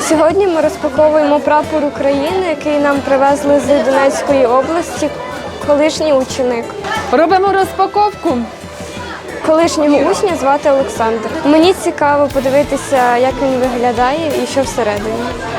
Сьогодні ми розпаковуємо прапор України, який нам привезли з Донецької області, колишній ученик. Робимо розпаковку. Колишнього учня звати Олександр. Мені цікаво подивитися, як він виглядає і що всередині.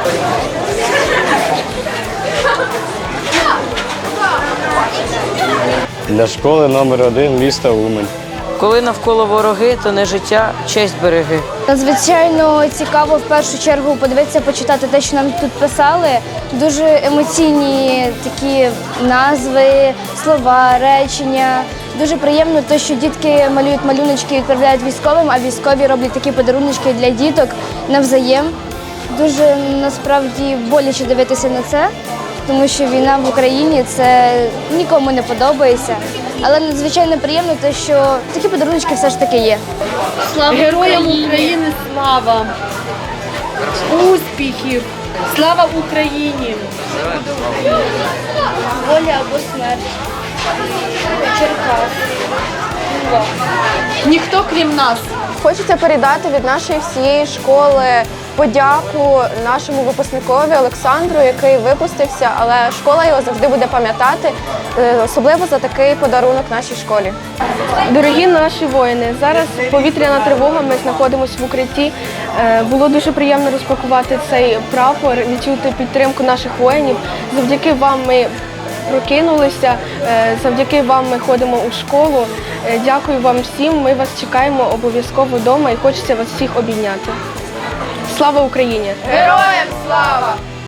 Для школи номер 1 міста Умань. Коли навколо вороги, то не життя, честь береги. Надзвичайно цікаво в першу чергу подивитися, почитати те, що нам тут писали. Дуже емоційні такі назви, слова, речення. Дуже приємно те, що дітки малюють малюночки і відправляють військовим, а військові роблять такі подарунки для діток навзаєм. Дуже насправді боляче дивитися на це, тому що війна в Україні це нікому не подобається. Але надзвичайно приємно те, що такі подарунки все ж таки є. Слава Героям України, слава! Успіхів! Слава Україні! Воля або смерть. Черкас. Ніхто крім нас. Хочеться передати від нашої всієї школи подяку нашому випускникові Олександру, який випустився, але школа його завжди буде пам'ятати, особливо за такий подарунок нашій школі. Дорогі наші воїни, зараз повітряна тривога, ми знаходимося в укритті. Було дуже приємно розпакувати цей прапор, відчути підтримку наших воїнів. Завдяки вам ми прокинулися, завдяки вам ми ходимо у школу. Дякую вам всім, ми вас чекаємо обов'язково вдома і хочеться вас всіх обійняти. Слава Україні! Героям слава!